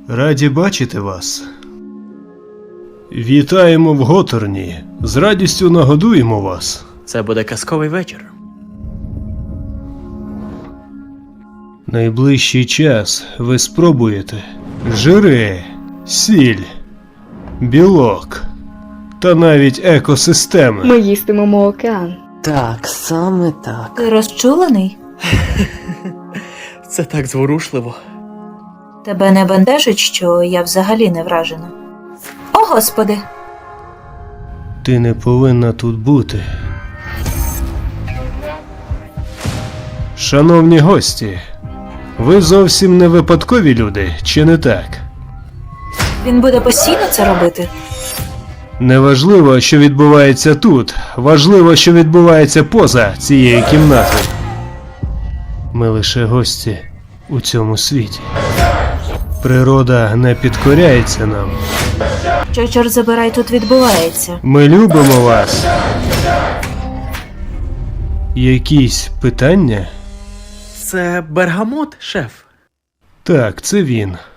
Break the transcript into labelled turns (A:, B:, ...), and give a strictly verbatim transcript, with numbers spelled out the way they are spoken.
A: Раді бачити вас. Вітаємо в Готорні. З радістю нагодуємо вас.
B: Це буде казковий вечір.
A: Найближчий час ви спробуєте жири, сіль, білок та навіть екосистеми.
C: Ми їстимемо океан.
B: Так, саме так.
D: Ти розчулений?
B: Це так зворушливо.
D: Тебе не бентежить, що я взагалі не вражена? О, Господи!
A: Ти не повинна тут бути. Шановні гості, ви зовсім не випадкові люди, чи не так?
D: Він буде постійно це робити?
A: Неважливо, що відбувається тут, важливо, що відбувається поза цією кімнатою. Ми лише гості у цьому світі. Природа не підкоряється нам.
D: Що, чорт забирай, тут відбувається?
A: Ми любимо вас. Якісь питання?
B: Це бергамот, шеф.
A: Так, це він.